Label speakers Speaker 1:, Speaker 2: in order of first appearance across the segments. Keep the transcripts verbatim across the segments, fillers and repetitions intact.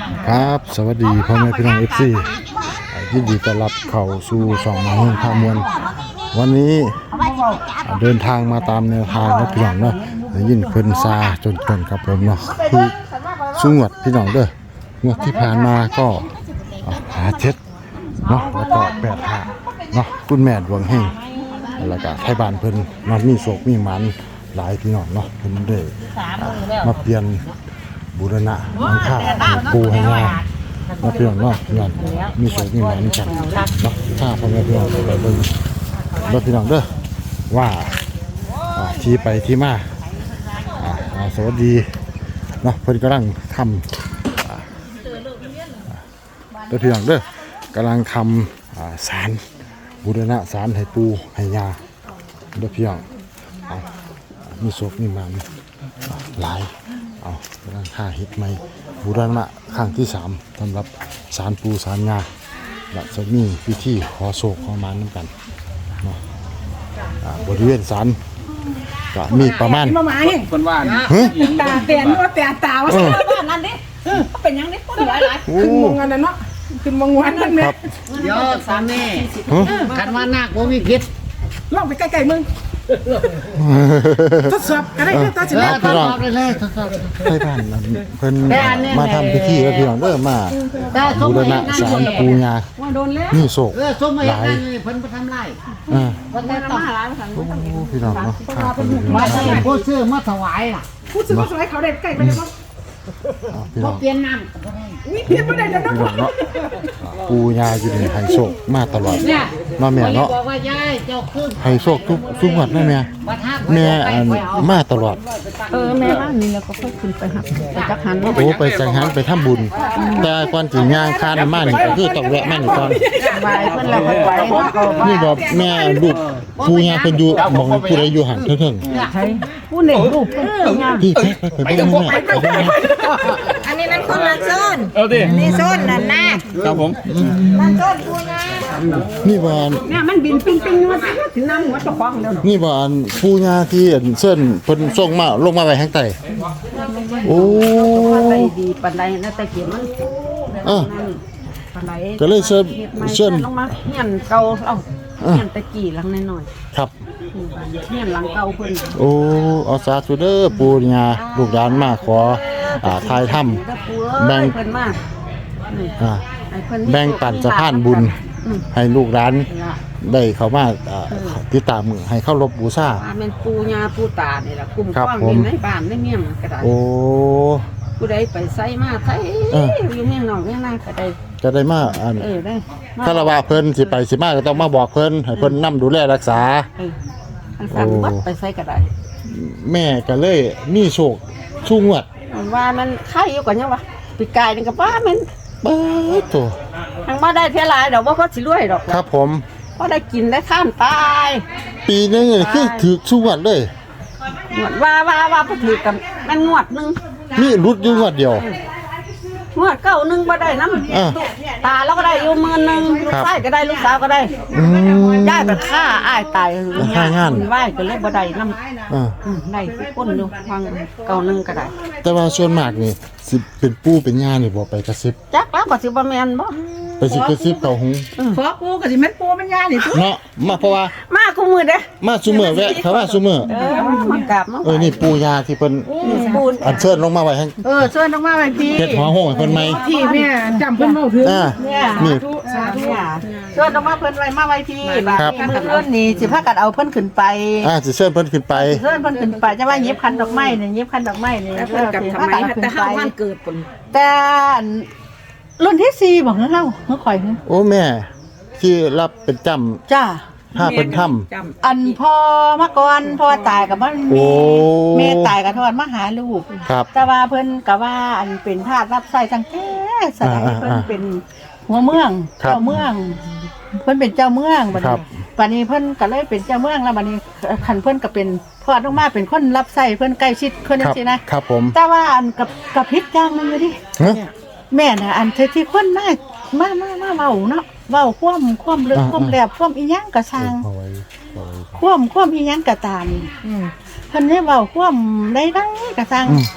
Speaker 1: ครับสวัสดีพ่อแม่พี่น้องเอฟซียินดีต้อนรับเข้าสู่ช่องมาเฮงพามวลวันนี้เดินทางมาตามแนวทางนะพี่น้องเนาะยินเพิ่นซาจนจนครับผมเนาะคือสุงวดพี่น้องเด้องวดที่ผ่านมาก็หาเจ็ดเนาะแล้วก็แปดห้าเนาะคุณแม่ดวงเฮงแล้วก็ไทยบ้านเพิ่นนอนมีโศกมีหมันหลายพี่น้องเนาะเพิ่นได้มาเปลี่ยนบูรณะหลังคาปูให้งามมาเปลี่ยนเนาะงานมีโศกมีหมันกันเนาะถ้าพ่อแม่พี่น้องไปเบิ่งเด้อพี่น้องเด้อว่าที่ไปที่มาสวัสดีเนาะเพิ่นกำลังทำเด้อพี่น้องเด้อกำลังทำศาลบูรณะศาลให้ปูให้ยาเด้อพี่น้องเอามีโศกมีหมันหลายเอากำลังฆ่าเฮ็ดใหม่บูรณะครั้งที่สามสำหรับศาลปูศาลยาและจะมีพิธีขอโศกขอหมันนำกันเนาะบริเวณศาลก็มีประมาณ
Speaker 2: คนว่า
Speaker 3: ตาเตียนว่าแต่ตาว่าบ้านนั่นดิเป็นยังนี่คนหลายหลายขึ้นมงกันนะเนาะขึ้นมงวันนั่นเนี่ย
Speaker 2: เดี๋ยวสามแม่คันว่านาคบ่มีพิษ
Speaker 3: ลองไปใกล้ๆมึงทดสอบก็ได้ทดสอบ
Speaker 2: ทดสอบเลยทดสอบ
Speaker 1: ไทยบ้านเพิ่นมาทำพิธีแล้วพี่น้องเด้อมาบูรณะศาลปูยานี่โศกหลาย
Speaker 2: เพิ่นบ่ทำไร
Speaker 1: อ่า
Speaker 2: เพิ่นต้องมาหลาย
Speaker 1: โอ้พี่น้องเนาะ
Speaker 2: มาใส่ผู้ซื้อมาถวายล่ะ
Speaker 3: ผู้ซื้อมาถวายเขาได้ใกล้ไปเลยบ่
Speaker 1: พี่น้อง
Speaker 2: เปลี่ยนน้ำก็ได้
Speaker 3: อุ้ยเปลี่ยนบ่ได้แล้วเนาะ
Speaker 1: ปูยาอยู่ในไฮโศกมาตลอดมาแม่เนาะ
Speaker 2: บอกว่ายายเจ้าขึ้น
Speaker 1: ไฮโศกทุกทุกวันนะแม่แม่มาตลอด
Speaker 3: เออแม่บ้านนี่แล้วก็ค่อยขึ้นไปหักไปจักหัน
Speaker 1: โอ้ไปจังหันไปทำบุญแต่ก่อนสิย่างคานมานี่ก็คือต้องแวะมานี่ก่อน
Speaker 3: ไหว้เพิ่นแล้วก็ไหว้
Speaker 1: นี่บอกแม่ลูกปูยาเพิ่นอยู่หม่องผู้ใดอยู่หั่นเถิง
Speaker 3: ใช่ผู้นี่ลูกเพิ่นงาม
Speaker 1: พี่ไปไปไปแม่
Speaker 3: อันนี้นั่นคนละโซนนี่โซนนั่นนะครับ
Speaker 1: ผม
Speaker 3: นั่นโซนปูยา
Speaker 1: นี่บ่
Speaker 3: เนี่ยมันบินปิ้งๆมาถึงน้ำหัวเจ้าของแล้ว
Speaker 1: นี่บ่ปูยาที่เส้นเพิ่นส่งมาลงมาไว้ข้างใต้โอ้
Speaker 3: ไปดีปานใดนะแต่เกียมัน
Speaker 1: เออ
Speaker 3: ปานใด
Speaker 1: ก็เลยเชิญเชิญ
Speaker 3: ลงมาเฮียนเก่าเอ้าเฮียนตะกี้หลังน้อย
Speaker 1: ๆครับ
Speaker 3: เฮียนหลังเก่าเพิ่น
Speaker 1: โอ้เอาสาธุเด้อปูญาลูกหลานมาขออ่าทายถ้ำแบ่ง
Speaker 3: เพิ่นมา
Speaker 1: อ่าแบ่งปันสะพานบุญให้ลูกหลานได้เข้ามาติดตามมือให้เข้ารบบูชา
Speaker 3: แม่นปู่ย่าปู่ตานี่ล่ะคุ้มครองอยู่ในบ้านในเมืองก็ได้
Speaker 1: โอ้
Speaker 3: ผู้ใดไปไสมาไสอยู่เมืองนอกเมืองนาก็ได้
Speaker 1: ก็ได้มาอัน
Speaker 3: เออได้
Speaker 1: คารวะเพิ่นสิไปสิมาก็ต้องมาบอกเพิ่นให้เพิ่นนำดูแลรักษา
Speaker 3: เอออันสั่งบัดไปไสก็ได้
Speaker 1: แม่ก็เลยมีโชคชูงวด
Speaker 3: ว่ามันไข่อยู่ก่อนยังวะปีกายนี่ก็ว่ามัน
Speaker 1: เบิดโต
Speaker 3: ทางบ่ได้เท่าหลายดอกบ่พอสิรวยดอก
Speaker 1: ครับผม
Speaker 3: พอได้กินได้ท่านตาย
Speaker 1: ปีนึงนี่คือถูกชูงวดเลย
Speaker 3: ว่าว่าว่าบ่ถูกกันมันงวดนึง
Speaker 1: มีรุดอยู่งวดเดียว
Speaker 3: งวดเก้านึงบ่ได้นำตาเราก็ได้อยู่หมื่นนึงลูกชายก็ได้ลูกสาวก็ได้
Speaker 1: อืม
Speaker 3: ย้ายไปฆ่าอ้ายตาย
Speaker 1: ฆ่างาน
Speaker 3: ไหว้ก็เลยบ่ได้นำ
Speaker 1: อ่า
Speaker 3: ได้ทุกคนอยู่ฟังเก้านึงก็ได้
Speaker 1: แต่ว่าส่วนมากนี่สิเป็นปู่เป็นย่านี่บ่ไปกระซิบ
Speaker 3: จักแล้วก็สิบ่แม่นบ่
Speaker 1: ไปสิกระซิบเข้าหู
Speaker 3: ขอปู่ก็สิแม่นปู่แม่นย่านี่ทุก
Speaker 1: เนาะมาเพราะว่า
Speaker 3: มาคู่มื้อเด้
Speaker 1: มาซุมื้อแวะเขาว่าซุมื้อ
Speaker 3: เออมากราบมา
Speaker 1: เออนี่ปู่ย่าที่เพิ่น
Speaker 3: ปู่
Speaker 1: อัญเชิญลงมาไว้ให้
Speaker 3: เออเชิญลงมาไว้พี่
Speaker 1: เฮ็ดหัวโหงให้เพิ่นใหม่
Speaker 3: ที่แม่จำเพิ่นเว้าถึง
Speaker 1: อ่านี่
Speaker 3: สาธุเชิญลงมาเพิ่นไว้มาไว้พี่บาดนี้มื้ออื่นนี่สิพากันเอาเพิ่นขึ้นไป
Speaker 1: อ่าสิเชิญเพิ่นขึ้นไป
Speaker 3: เชิญเพิ่นขึ้นไปจะว่าหยิบคันดอกไม้นี่หยิบคันดอกไม้นี่เพิ่นกับทำไมแต่เฮาวันเกิดปุ่นแต่รุ่นที่สี่บ่เฮาเฮาข่อย
Speaker 1: โอ้แม่ที่รับเป็นจำ
Speaker 3: จ้า
Speaker 1: ถ้าเพิ่นทำ
Speaker 3: อันพ่อมาก่อนพ่อตายก็บ่มีแม่ตายก็ทอดมาหาลูกแต่ว่าเพิ่นก็ว่าอันเป็นทาสรับใช้ทั้งแท้สมัยเพิ่นเป็นหัวเมืองเจ้าเมืองเพิ่นเป็นเจ้าเมืองบัดนี้บัดนี้เพิ่นก็เลยเป็นเจ้าเมืองแล้วบัดนี้คันเพิ่นก็เป็นทอดลงมาเป็นคนรับใช้เพิ่นใกล้ชิดคนจังซี่นะครับ
Speaker 1: ผม
Speaker 3: แต่ว่าอันกับกับพิษอย่างนึงอยู่ดิแม่น่ะอันที่คนมามามามาเว้าเนาะเว้าความความลึกความแหลบความอีหยังก็ช่างความความอีหยังก็ตามอือเพิ่นได้เว้าความใดๆก็ช่าง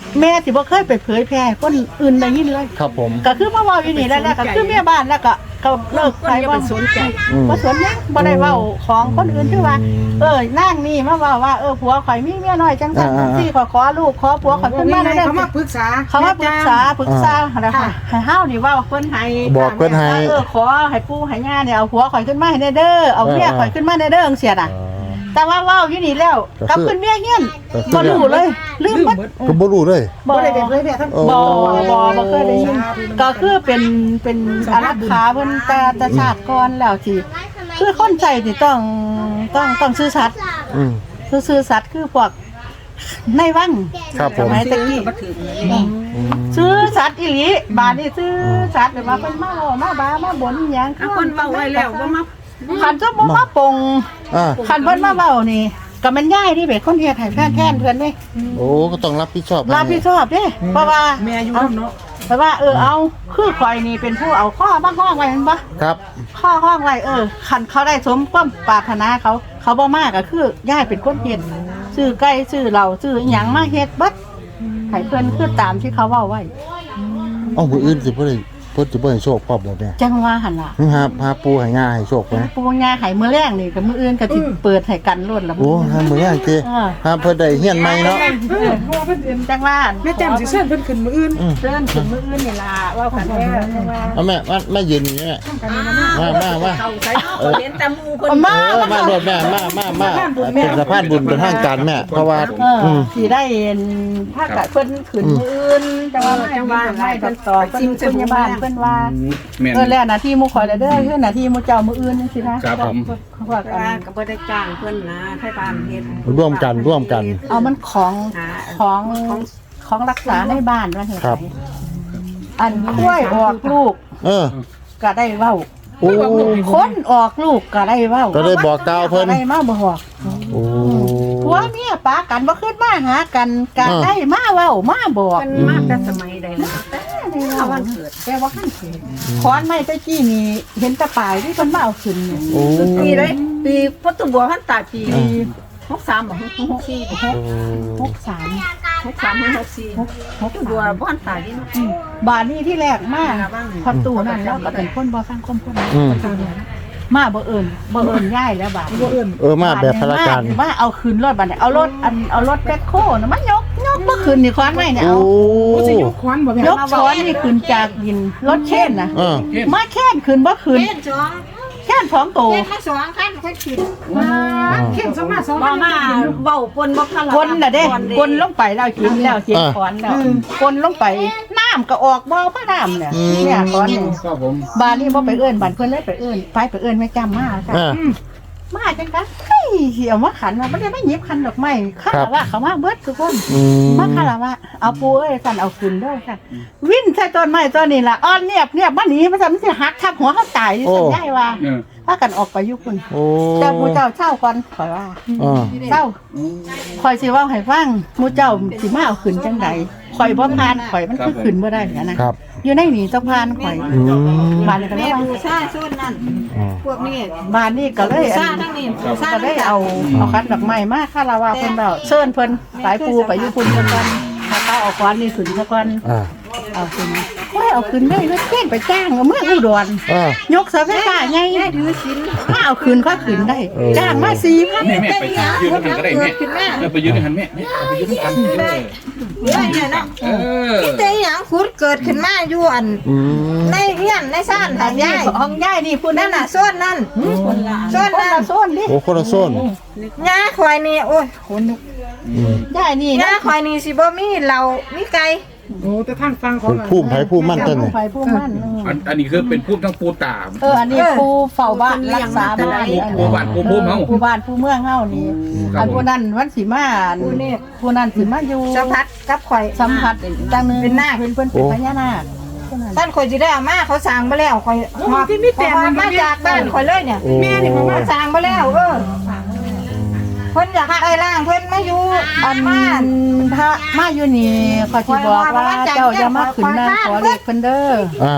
Speaker 3: แม่สิบ่เคยไปเผยแพร่ให้คนอื่นได้ยินเลย
Speaker 1: ครับผม
Speaker 3: ก็คือมาเว้าอยู่นี่แล้วก็คือแม่บ้านแล้วก็ก็เลิกไปว่าสนใจ
Speaker 1: อืม
Speaker 3: บ่สนหยังบ่ได้เว้าของคนอื่นคือว่า เออนางนี่มาเว้าว่าเออผัวข่อยมีเมียน้อยจังซั่นจังซี่ขอขอลูกขอผัวข่อยขึ้นมาได้
Speaker 4: เขามาปรึกษา
Speaker 3: เขามาปรึกษาปรึกษาอะไรค่ะให้เฮานี่เว้าเพิ่นให้
Speaker 1: บอกเพิ่นให้
Speaker 3: เออขอให้ปู่ให้ย่าเนี่ยเอาผัวข่อยขึ้นมาให้ได้เด้อเอาเมียข่อยขึ้นมาได้เด้อจังซี่น่ะ แต่ว่าเว้าอยู่นี่แล้วกลับขึ้นเมียเฮียนบ่รู้เลยลืมเบิด
Speaker 1: ก็บ่รู้เลย
Speaker 3: บ่
Speaker 4: บ่ได้
Speaker 3: ได้
Speaker 4: ไป
Speaker 3: เป็น
Speaker 4: เผยแพร่ทั้ง
Speaker 1: โอ้
Speaker 3: บ่บ่บ่เคยได้ยินก็คือเป็นเป็นอารักขาเพิ่นแต่แต่ชาติก่อนแล้วที่คือคนใจนี่ต้องต้องต้องซื่อสัตย์
Speaker 1: อืม
Speaker 3: ซื่อสัตย์คือพวกในวัง
Speaker 1: ครับผ
Speaker 3: ส
Speaker 1: ม
Speaker 3: มัยตะกี้
Speaker 4: บ่ถึง
Speaker 1: อืม
Speaker 3: ซื้อสัตว์อีหลีบาดนี่ซื้อสัตว์แบบว่าเพิ่นมาเว้ามาบามาบ่นหยัง
Speaker 4: เอาคนเว้าไว้แล้วบ่มา
Speaker 3: คันจะบ่มาปง
Speaker 1: อ่า
Speaker 3: คันเพิ่นมาเว้านี่ก็มันย่ายที่เป็นคนเฮ็ดให้แฟนแทนเพิ่นเด้
Speaker 1: โอ้ก็ต้องรับผิดชอบ
Speaker 3: รับผิดชอบเด้เพราะว่า
Speaker 4: แม่อยู่นำเนาะ
Speaker 3: เพราะว่าเออเอาคือข่อยนี่เป็นผู้เอาข้อมาห้องไว้แม่นบ่
Speaker 1: ครับ
Speaker 3: ข้อห้องไว้เออคันเขาได้สมความปรารถนาเขา เขาบ่มาก็คือย่ายเป็นคนเฮ็ดซื้อไก่ซื้อเหล้าซื้อหยังมาเฮ็ดเบิดให้เพิ่นคือตามที่เขาเว้าไว้
Speaker 1: เอ้ามื้ออื่นสิบ่ได้เพิ่นสิบ่ให้โชคพร้อมบ่แม่
Speaker 3: จังว่าหั่นล่ะ
Speaker 1: หาหาปูให้ง่าให้โชคไหม
Speaker 3: ปูงาไห้มื้อแรกนี่กับมื้ออื่นก็สิเปิดให้กันล้นละ
Speaker 1: โอ้หามื้อย่างเจ
Speaker 3: เออ
Speaker 1: หาเพิ่นได้เฮียนใหม่เนาะ
Speaker 4: เออเพราะว่าเพิ่นเอิ้น
Speaker 3: จังว่า
Speaker 4: แม่แจ่มสิเชิญเพิ่นขึ้นมื้ออื่น
Speaker 3: เดินถึงมื้ออื่นนี่ล่ะว่ากันแท้จังว่า
Speaker 1: เอาแม่มามายืนอยู่นี่แม่มามามา
Speaker 4: เอาใส่เนาะเห็นแต่หมู่เพิ่น
Speaker 3: เอามา
Speaker 1: เออมาโดดแม่มามามาเป็นสะพานบุญเป็นทางการแม่เพราะว่า
Speaker 3: เออ
Speaker 1: อืม
Speaker 3: สิได้เห็นถ้ากะเพิ่นขึ้นมื้ออื่นจังว่าจังว่าให้เพิ่นตอบเพิ่นพยาบาลเพิ่นว่า
Speaker 2: แม่น
Speaker 3: เออแล้วหน้าที่หมู่ข่อยแล้วเด้อคือหน้าที่หมู่เจ้ามื้ออื่นจังซี่นะครับ
Speaker 2: ผม
Speaker 3: เขาว่ากั
Speaker 4: ว่าน ก็บ่ได้จ้างเพิ่นนะไทบ้านเฮ็ด
Speaker 1: ร่วมกันร่วมกัน
Speaker 3: เอามันของของของรักษาในบ้านว่าเฮ็ด
Speaker 1: ครับ
Speaker 3: อันกล้วยออกลูก
Speaker 1: เออ
Speaker 3: ก็ได้เว้า
Speaker 1: โอ้
Speaker 3: คนออกลูกก็ได้เว้า
Speaker 1: ก็ได้บอกกล่าวเพิ่น
Speaker 3: ก็ได้มาบอก
Speaker 1: โอ้
Speaker 3: ผัวเมียปากันบ่ขึ้นมาหากันก็
Speaker 1: อ่า
Speaker 3: ได้มาเว้ามาบอก
Speaker 4: เพิ่นมาแต่สมัยใดแล้วแต่
Speaker 3: เอาวันเกิดแต่ว่าขั้นเกิดขอนไม้ตะกี้นี่เห็นแตะปลายที่เพิ่นมาเอาขึ้นนี่
Speaker 1: โอ้
Speaker 4: ปีได้ปีพุทธบัวพันตาปี
Speaker 3: ปี
Speaker 4: หกสามบ่หกสี่
Speaker 3: หกหกสาม
Speaker 4: หกสามหกสี่
Speaker 3: หกหก
Speaker 4: พุทธบัวพันตาที่เนาะ
Speaker 3: บานนี้ที่แรกมาพอตู้นั่นแล้วก็เป็นคนบ่ฟังคมคน
Speaker 1: อืม
Speaker 3: มาบ่เอิ้นบ่เอิ้นย้ายแล้วบาด
Speaker 4: บ่เอิ้น
Speaker 1: เออมาแบบพละการ
Speaker 3: มาเอาคืนรถบัดนี้เอารถอันเอารถแบ็คโคน่ะมันยกยกบ่คืนนี่ขอนไม้เนี่ย
Speaker 1: โอ้
Speaker 3: เอา
Speaker 4: บ่สิยกขวานบ่แม่
Speaker 3: ยกช้อนนี่ขึ้นจากดินรถเช่นนะ
Speaker 1: เออ
Speaker 3: มาแค่นขึ้นบ่ขึ้น
Speaker 4: เล่นสอง
Speaker 3: แค่นสองโต
Speaker 4: เล่นมาสองคันค่อยขึ้น
Speaker 1: อ่า
Speaker 4: เข้มสมาสอง
Speaker 3: บ่มาเว้าปนบ่คันละคนน่ะเด้กนลงไปแล้วกินแล้วเสียงขอนแล้วกนลงไปน้ำก็ออกบ่พระน้ำเนี่ยเนี่ยขอนนี่
Speaker 2: ครับผม
Speaker 3: บ้านนี้บ่ไปเอิ้นบ้านเพิ่นเลยไปเอิ้นไปไปเอิ้นแม่จำมาค่ะ
Speaker 1: อ่า
Speaker 3: มาจังกันเฮ้ยเหี่ยวมาขันว่าบ่ได้มาหยิบขันดอกไม้ข้าว่าเขามาเบิดทุกคน
Speaker 1: อืม
Speaker 3: มาคาราวะเอาปูเอ้ยสั่นเอาขึ้นเด้อค่ะวิ่นใส่ต้นไม้ต้นนี้ล่ะอ้อนเนียบเนียบมาหนีมันจะมันสิหักทับหัวเขาตายสัญญาว่า
Speaker 2: เออ
Speaker 3: พากันออกไปอยู่พุ่น
Speaker 1: โอ้
Speaker 3: เจ้าหมู่เจ้าเช่าก่อนข่อยว่า
Speaker 1: อ่า
Speaker 3: เจ้าข่อยสิเว้าให้ฟังหมู่เจ้าสิมาเอาขึ้นจังใดข่อยบ่ผ่านข่อยมันคือขึ้นบ่ได้นะนะครับ อยู่ในนี่ต้องผ่านข่อย
Speaker 1: อืม
Speaker 3: บ้านนี้ก็เลย
Speaker 4: แม่
Speaker 3: ว่า
Speaker 4: บูชาส่วนนั้น
Speaker 1: อ่า
Speaker 4: พวกนี้
Speaker 3: บ้านนี้ก็เลย
Speaker 4: บู
Speaker 3: อั
Speaker 4: ชาน ทั้งนี้บูชา
Speaker 3: ก็ได้เอาเอาคันดอกไม้มาคาราวะเพิ่นแล้วเชิญเพิ่นสายปูไปอยู่พุ่นเพิ่นก่อนถ้าเขาเอาก้อนนี่ขึ้นซะก่อน
Speaker 1: อ่า
Speaker 3: เอาขึ้นว่าเอาขึ้นได้รถเก่งไปจ้างเอาเมื่ออุดร
Speaker 1: อ่าย
Speaker 3: กเสาไฟฟ้าไงถือสินถ้าเอาขึ้นก็ขึ้นได้ จ้างมาสี่พัน
Speaker 2: แม่แม่ไปยืนกันก็ได้แม่เออไปยืนกันแม่แม่ไปยืนกันเออ
Speaker 4: ได้เนี่ยเนาะ
Speaker 2: เออ
Speaker 5: แต่หยังขุดเกิดขึ้นมาอยู่อัน
Speaker 1: อืม
Speaker 5: ในเฮียนในซ่าน
Speaker 3: อั
Speaker 5: ทาน ง
Speaker 3: นี้
Speaker 5: ยาย
Speaker 3: ของยายนี่พูด
Speaker 5: นั่
Speaker 3: นั่
Speaker 5: น
Speaker 3: น
Speaker 5: น่ะ
Speaker 3: น่ะ
Speaker 5: ส่วนนั้นส่วน
Speaker 3: คน
Speaker 5: นั้
Speaker 3: ละ
Speaker 5: น
Speaker 3: โซนดิ
Speaker 1: โอ้คนละโซน
Speaker 5: ยาควายนี่โอ้ยขนลุก
Speaker 1: อืม
Speaker 3: ยายนี่
Speaker 5: ยาควายนี่สิบ่มีเหล้ามีไก่
Speaker 4: โอ้แต่ทางฟังขอ
Speaker 1: เป็
Speaker 4: ง
Speaker 1: นผู้ไผผู้มั่นต้นนี่
Speaker 3: ไฟผู้มั่น
Speaker 2: อันอันนี้คือเป็นพูดทั้งปูตา
Speaker 3: เอออันนี้ผู้เฝ้าบ้านรักษาบ้าน
Speaker 2: ปูบ้านปูภูมิเฮา
Speaker 3: ผู้บ้านผู้เมืองเฮานี่อันผู้นั้นวันสิมาผู้นั้นสิมาอยู่
Speaker 5: สัมผัสกับข่อย
Speaker 3: สัมผัสจังนึง
Speaker 5: เป็นนาค
Speaker 3: เป็นเพิ่นเป็นพญานาค
Speaker 5: ท่านข่อยสิได้เอามาเขาสร้างบ่แล้วข่อยหอบเพราะว่ามาจากบ้านข่อยเลยเนี่ย
Speaker 1: โอ้
Speaker 4: แม่นี่เขามา
Speaker 5: สร้างบ่แล้วเออเพิ่นอยากได้ร่างเพิ่นมาอยู่
Speaker 3: อั
Speaker 5: อั
Speaker 3: น
Speaker 5: นบ้าน
Speaker 3: ถ้ามาอยู่นี่ขอยสิบอกว่าเจ้าอย่ามาขึ้นนั่งขอเลขเพิ่นเด้อ
Speaker 1: อ่า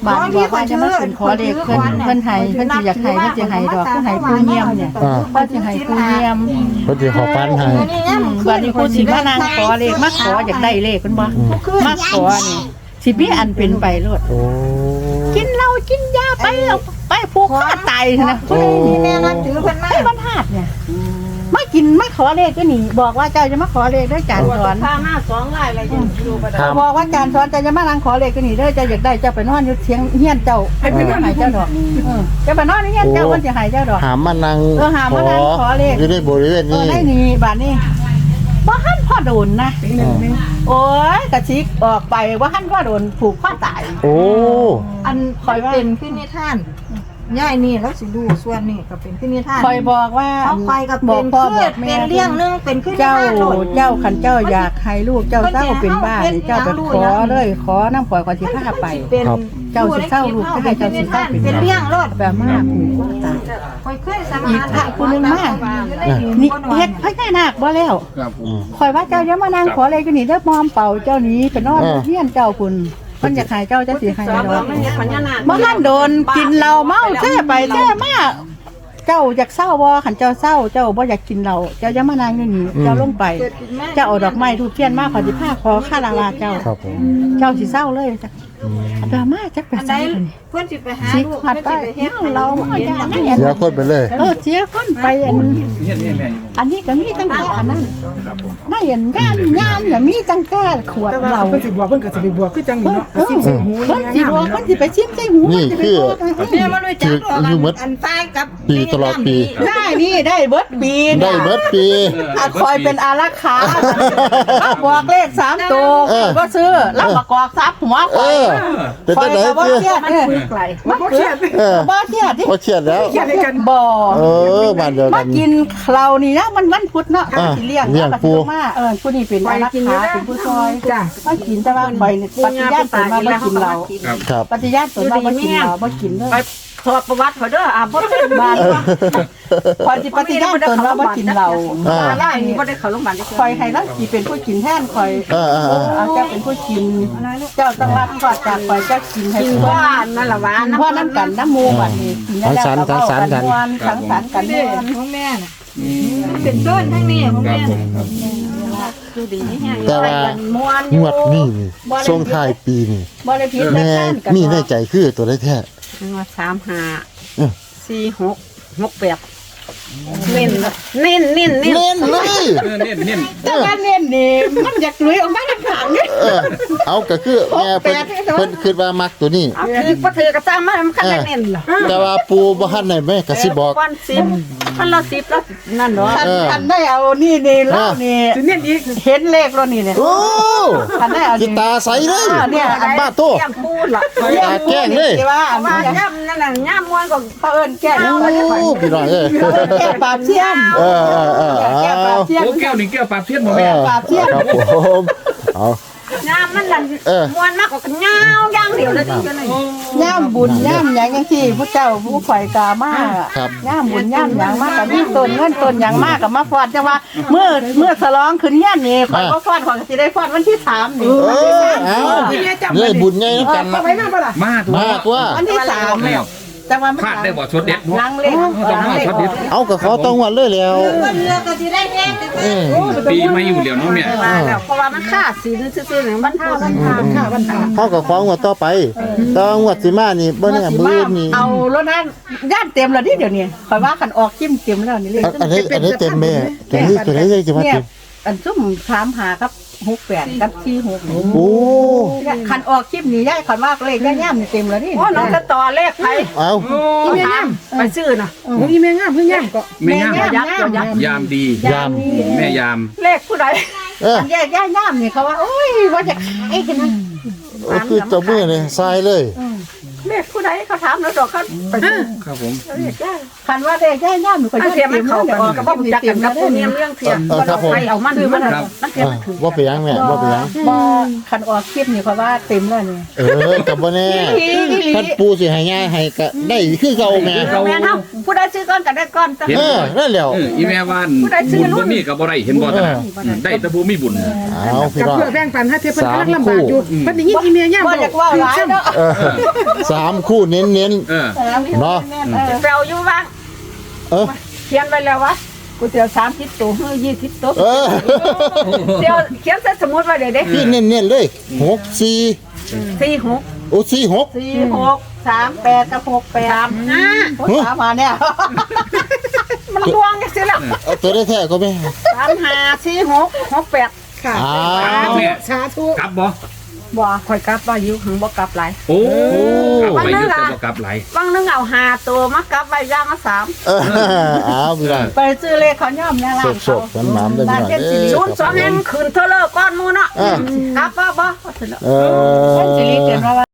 Speaker 3: บาดบอกว่าจะมาขึ้นขอเลขเพิ่นเพิ่นให้เพิ่นสิอยากให้เพิ่นสิให้ดอกเพิ่นให้ผู้เยี่ยมเนี่ยเพิ่นสิให้ผู้เยี่ยม
Speaker 1: เพิ่นสิขอปันให้
Speaker 3: อืมบาดนี้ผู้สิมานางขอเลขมาขออยากได้เลขเพิ่นบ่มาขอนี่สิมีอันเป็นไปโลด
Speaker 1: โอ้
Speaker 3: กินเหล้ากินยาไปเอาไปผูกคอตายนะ
Speaker 1: โอ้
Speaker 5: นี่แม่นับถือเพิ่นมา
Speaker 3: ไอ้บรรทัดเนี่ยมากินมาขอเลขก็หนีบอกว่าเจ้าจะมาขอเลขด้วยจานสอน
Speaker 4: ข้าหน้าสองลายอะไรยังอยู่บ่ได้
Speaker 1: ครับ
Speaker 3: บอกว่าจานสอนเจ้าจะมานั่งขอเลขก็หนีเด้อเจ้าอยากได้เจ้าไปนอนอยู่เทียงเฮียนเจ้าให้เพิ่นหายเจ้าดอกเออเจ้าไปนอนอยู่เฮียนเจ้าเพิ่นจะหายเจ้าดอก
Speaker 1: หามานั่ง
Speaker 3: เออหามานั่งขอเลข
Speaker 1: อยู่ในบริเวณ
Speaker 3: เอ
Speaker 1: นี้
Speaker 3: อได้นี่บาดนี้บ่หันพ่อโดนนะ
Speaker 1: อ่า
Speaker 3: โอ้ยกระชิกออกไปว่าหันพ่อโดนผูกข้อตาย
Speaker 1: โอ้
Speaker 3: อันคอยว่า
Speaker 5: เป็นขึ้นนิทานย่ายนี่แล้วสิดูส่วนนี่ก็เป็นขึ้นนิทาน
Speaker 3: คอยบอกว่า
Speaker 5: เอาไปก็
Speaker 3: บ
Speaker 5: เป็
Speaker 3: อก
Speaker 5: น
Speaker 3: พ่อ
Speaker 5: คื
Speaker 3: บอ
Speaker 5: อก
Speaker 3: แม่
Speaker 5: เป็นเรื่องนึงเป็นขึ้นนิ
Speaker 3: เจ้า
Speaker 5: ทานโลด
Speaker 3: เจ้าขันเจ้าอยากให้ลูกเจ้าเศร้าเป็นบ้านี่เจ้าไปขอเลยขอน้ำปล่อยก่อนที่พาไป
Speaker 5: เป็น
Speaker 3: เจ้าสิเศร้าลูกจะให้เจ้าสิเศร้าเป็น
Speaker 5: เป็นเรื่องโลด
Speaker 3: แบบมากผูกว่าตาย
Speaker 5: คอยเคยสมา
Speaker 3: อีกพระผู้หนึงมากนี่เฮ็ดพญานาคบ่แล้ว
Speaker 2: ครับผม
Speaker 1: อืม
Speaker 3: คอยว่าเจ้าอย่ามานั่งขออะไรกันนี่เด้อมอมเป่าเจ้านี้ไปนอน
Speaker 1: อ่า
Speaker 3: เฮียนเจ้าคุณเพิ่นอยากให้เจ้าจะสิให้ดอก
Speaker 4: มันยังมันยังนาน
Speaker 3: บ่ทันโดนกินเหล้าเมาแท้ไปแท้มาเจ้าอยากเศร้าบ่ขันเจ้าเศร้าเจ้าบ่อยากกินเหล้าเจ้าอย่ามานั่งอยู่นี่เจ้าลงไป เจ้าเอาดอกไม้ทูบเทียนมาขอสิพาขอค่าลาวาเจ้า
Speaker 1: ครับผม
Speaker 3: เจ้าสิเศร้าเลยจ้ะ
Speaker 1: อืม
Speaker 3: เอาไปมาจักไป
Speaker 5: อันใด
Speaker 3: ใส่เลย
Speaker 5: เพื่อนสิไปหา
Speaker 3: สิ
Speaker 5: ลูก
Speaker 3: หัด
Speaker 5: เพื่อน
Speaker 3: ไป
Speaker 5: สิไปเฮ็ด
Speaker 3: เมาเหล้าเมาอย่าไม่เห็น
Speaker 1: เสียคนไปเลย
Speaker 3: เออเสียคนไปอัน
Speaker 2: เฮ็ดนี่แม่อยู่
Speaker 3: อันนี้ก็มีตั้งแต่อันนั้น
Speaker 2: ครับผม
Speaker 3: ไม่เห็นงานงานอย่ามีตั้งแต่ขวด
Speaker 4: แต่
Speaker 3: เห
Speaker 4: ว่า
Speaker 3: ล้า
Speaker 4: เพิ่นสิบวกเพิ่นก็สิไปบวกคือจังนี่เนาะ
Speaker 3: เออคนสิบอกคนสิไปชิมใจหู
Speaker 1: นี่คือ
Speaker 5: เนี่ยมันรู้จัก
Speaker 1: คืออยู่หมด
Speaker 5: อันตายกับ
Speaker 1: ปีตลอดปี
Speaker 3: ได้นี่ได้เบิดปี
Speaker 1: ได้เบิดปี
Speaker 3: อาคอยเป็นอารักขาบอกเลขสามตัว
Speaker 1: เออ
Speaker 3: ก็ซื้อรับประกอบทรัพย์หัวค
Speaker 1: เอ
Speaker 3: อย
Speaker 1: อเป็น
Speaker 3: คอ
Speaker 1: จั
Speaker 3: ย
Speaker 1: งได๋
Speaker 3: กับว่า
Speaker 1: เพื่อ
Speaker 3: เครียดเนี่ย
Speaker 4: ไกลมันบ่เครียด
Speaker 1: เออ
Speaker 3: บ่เครียดดิ
Speaker 1: บ่เครียดแล้ว
Speaker 4: เครียดด้วยกัน
Speaker 3: บ่
Speaker 1: เออบ้านเดียว
Speaker 3: มา
Speaker 1: กัน
Speaker 3: กินเรานี่นะมันวันพุธเนาะ
Speaker 1: อ่า
Speaker 3: สิเลี้ยง
Speaker 1: เลี้ยง
Speaker 3: แล้วก็
Speaker 1: ปู
Speaker 3: สิมาเออผู้นี้เป็นอารักขาเป็นผู้ซอย
Speaker 4: จ้ะ
Speaker 3: มากินแต่ว่าคอยนี่ปฏิญาณตนมาบ่กินเรา
Speaker 2: ครับ
Speaker 1: ครับ
Speaker 3: ปฏิญาณตนมาบ่กินเราบ่กินเลย
Speaker 4: ถอดประวัติเขาเด้ออ่าบ่ได้
Speaker 3: บ้านคอยสิปฏิญาณตนว่าบ่กินเรา
Speaker 1: อ่า
Speaker 4: ล่านี่บ่ได้เข้าโรงพยาบาล
Speaker 3: คอยให้เราสิเป็นผู้กินแทนคอย
Speaker 1: เออเออเออ
Speaker 3: เอาเจ้าเป็นผู้กิน เจ้าต้องรับก่อนจากคอยเจ้ากินให้
Speaker 4: กิน
Speaker 3: เพื่อ
Speaker 4: ว่านั่นล่ะหวาน
Speaker 3: กินเพื่อน้ำกันน้ำมูบัดนี้กินแล้วแล้วก็เว้ากันม่วนสังสรรค์กัน
Speaker 5: เด้
Speaker 3: ม่วน
Speaker 5: ของแม่น่ะ
Speaker 2: อืม
Speaker 5: เป็นต้นทั้งนี้ของ
Speaker 2: ครับ
Speaker 5: แม่
Speaker 2: ผมครับ
Speaker 5: ดูดีนี่แฮะ
Speaker 1: แต่ว่า
Speaker 3: ม่วน
Speaker 1: งวดนี้นี่ช่วงท้ายปีนี่
Speaker 3: บ่ได้ผิด
Speaker 1: แม่มีในใจคือตัวได้แท้
Speaker 4: ว่าสามห้า
Speaker 1: เออ
Speaker 4: สี่หกหกแปดเน้นเน้นเน้นเน้น
Speaker 1: เล่นเลย
Speaker 2: เออเนี่ยเนี่ย
Speaker 3: แต่ว่าเน้นนี่มันอยากลุยออกมาทางข้างนี่
Speaker 1: เออเอาก็คือแม่เพิ่นเพิ่นคิดว่ามักตัวนี้
Speaker 4: เอาถือบ่ถือกระจ้างมามันคันได้เน้นเหรอ
Speaker 1: แต่ว่าปูบ่ทันได้แม่ก็สิบอก
Speaker 4: ก้อนสิบพันละสิบแล้วนั่นเนาะ
Speaker 3: คัน
Speaker 1: เออ
Speaker 3: คันได้เอานี่นี่เล่านี่
Speaker 4: สิเน้นอีก
Speaker 3: เห็นเลขแล้วนี่เนี่ย
Speaker 1: โอ้
Speaker 3: คันได้เอา
Speaker 1: สิตาใสเลย
Speaker 3: เนี่ยอัน
Speaker 1: บ้าโต
Speaker 4: เตรียมพูดล่ะ
Speaker 1: ตาแกล้งเลย
Speaker 3: ที่ว่าอัน
Speaker 4: ว่า
Speaker 3: นี้
Speaker 4: ย่ำนั่นน่ะย่ำมวนก็
Speaker 3: เขาเอิ้นแก้
Speaker 1: โอ้พี่น้องเอ้ย
Speaker 3: แก้ปราบเทียม
Speaker 1: เออเออเออ
Speaker 3: แก้ปรา
Speaker 1: เอา
Speaker 3: บเทียม
Speaker 2: โอ้แก้วนี่แก้วปลาเทียนบ่
Speaker 1: เอ
Speaker 2: แม่
Speaker 1: อ
Speaker 3: ปราบเทียม
Speaker 1: ครับผมเอา
Speaker 4: ย่ำมันนั่น
Speaker 1: เออ
Speaker 4: มวนมากกว่ากันย่าวย่างเดียวแล้วจริงจังเลย
Speaker 3: ย่ามบุญย่ามหยังจังซี่ผู้เจ้าผู้ข่อยกามา
Speaker 1: ครับ
Speaker 3: ย่ามบุญย่ามหยังมากกับมีต้นเงินต้นหยังมากกับมาฟอดจังว่าเมื่อเมื่อฉลองขึ้นเฮียนนี่ข่อยก็ฟอดข่อยก็สิได้ฟอดวันที่สามนี่
Speaker 1: เออเอาเลยบุญใหญ่นำกัน
Speaker 4: ไปนั่งปะล่ะ
Speaker 2: มาตัว
Speaker 1: มากว่า
Speaker 3: วันที่สาม
Speaker 2: แล้ว
Speaker 3: จังว่ามัน
Speaker 2: พลาดได้บ่ชดเด็ดเนาะ
Speaker 3: ลังเลข
Speaker 2: ต้องมาช็อตเด็ด
Speaker 1: เอาก็ขอต้องวันเลยแล้ว
Speaker 5: เพิ่นเลือกก็สิได้แฮง
Speaker 1: เออ
Speaker 2: ปีไม่อยู่เหลียวเนาะแม่
Speaker 4: มาแล้วเพราะว่ามันค่าศีลซื่อๆหนึ่งบรรทาบรรทาค่าบรรทา
Speaker 1: เฮาก็ของวดต่อไปแตองวดสิมานี่บ่แน่มื้อนี่
Speaker 3: เอารถนั้นย่านเต็มแล้วนี่เดี๋ยวนี้ข่อยว่าคันออกคิมเต็มแล้วนี่เลย
Speaker 1: อันอันนี้อันนี้เต็มแม่ตัวนี้ตัวนี้ยังจะมา
Speaker 3: เนี่ย
Speaker 1: เต็ม
Speaker 3: อันซุ่มถามหาครับหกแปดกับที่หก
Speaker 1: โอ้
Speaker 3: คันออกคลิปนี้ย่ายคันว่าเลขย่ายย่ำนี่เต็มแล้วนี่
Speaker 4: โอ้น้องจะต่อเลขไป
Speaker 1: เอา
Speaker 4: อีเมงามไปซื้อน่ะอีเมงามเพิ่งงามก็
Speaker 2: แม่งาม
Speaker 3: ยักษ์ยักษ์
Speaker 2: ยามดี
Speaker 1: ยาม
Speaker 2: แม่ยาม
Speaker 4: เลขผู้ใด
Speaker 1: เออ
Speaker 3: อันย่ายย่ายย่ำนี่เขาว่าโอ้ยว่าจะขายกันนะ
Speaker 1: โอ้คือเจ้ามือนี่ทรายเลย
Speaker 4: เลขผู้ใดเขาถามแล้วดอกเขาไปดู
Speaker 2: ครับผม
Speaker 3: คันว่าเด็กย่าย่าหนูก็
Speaker 4: อัน
Speaker 3: ยื
Speaker 4: เทีย
Speaker 3: ด
Speaker 4: มมั
Speaker 3: เต็
Speaker 4: น
Speaker 3: ม
Speaker 4: เข้า
Speaker 3: เลย
Speaker 4: กันกับบ่รู้จักกันกับตัวเนี้ยเรื่องเทียมไปเอามันคือมันนั่นเทียม
Speaker 1: อ่า
Speaker 4: มันถือ
Speaker 1: ว่าไปยังแม่ว่าไปยัง
Speaker 3: บ่คันออกคลิปนี่เพราะว่าเต็มแล้วนี่
Speaker 1: เออกับบ่แน่คันปูสิให้ง่ายให้ก็ได้คือเก่าแม่
Speaker 4: แม่เฮาผู้ใดซื้อก้อนก็ได้ก้อน
Speaker 1: เออนั่นแหล้ว
Speaker 2: เอออีแม่ว่านบุญบ่มีกับบ่ได้เห็นบ่ตะนะได้แต่บ่มีบุญ
Speaker 1: เอาพี่
Speaker 5: กับ
Speaker 1: น้อง
Speaker 5: เพื่อแบ่งปันให้เพิ่นกำลังลำบากอยู่เพิ่นได้ยินอีเมียย่ำ
Speaker 3: บ่อยากว่าหลายเนาะ
Speaker 1: เออสามคู่เน้นเน้น
Speaker 2: เออ
Speaker 1: เนาะ
Speaker 4: แปลอยู่ว่า
Speaker 1: เออ
Speaker 4: เขียนไว้แล้ววะ
Speaker 3: ก๋วยเตี๋ยวสามสิบตัวเฮ้ยยี่สิบตัว
Speaker 1: เออ
Speaker 4: เดี๋ยวเขียนใส่สมุดไว้เดี๋ยวเด้
Speaker 1: พี่เน้นเน้นเลยหกสี่
Speaker 4: สี่หก
Speaker 1: โอ้สี่หก
Speaker 3: สี่หกสามแปดกับหกแปด
Speaker 4: สามห้า
Speaker 3: โอ้ยสามมาเนี่ย
Speaker 4: มันลวงกันสิล่ะ
Speaker 1: เอาตัวได้แท้ก็ไม่
Speaker 4: สามห้าสี่หกหกแปด
Speaker 5: ค่ะ
Speaker 1: อ้า
Speaker 2: แม่
Speaker 5: สาธุ
Speaker 2: กลับบ่
Speaker 4: บ่ค่อยกลับว่าอยู่หังบ่กลับหลาย
Speaker 2: โอ้กลับไปอยู่แต่บ่กลับไหล
Speaker 4: บางนึงเอาห้าตัวมากลับไว้ย่างละสาม
Speaker 1: เออเอาพี่น้อง
Speaker 3: ไปซื้อเลขเขาย่อมเนี่ยร้าน
Speaker 1: สดๆมันน้ำได้พี่น้องเด้
Speaker 4: ศู
Speaker 1: อน
Speaker 4: ย์สองแห่งคืนเท่าเลิกก้อนหมูเนาะ
Speaker 1: อ่า
Speaker 4: กลับบ่บ่
Speaker 1: เอ
Speaker 3: เส้นสิริ
Speaker 1: อ
Speaker 3: เกินว่า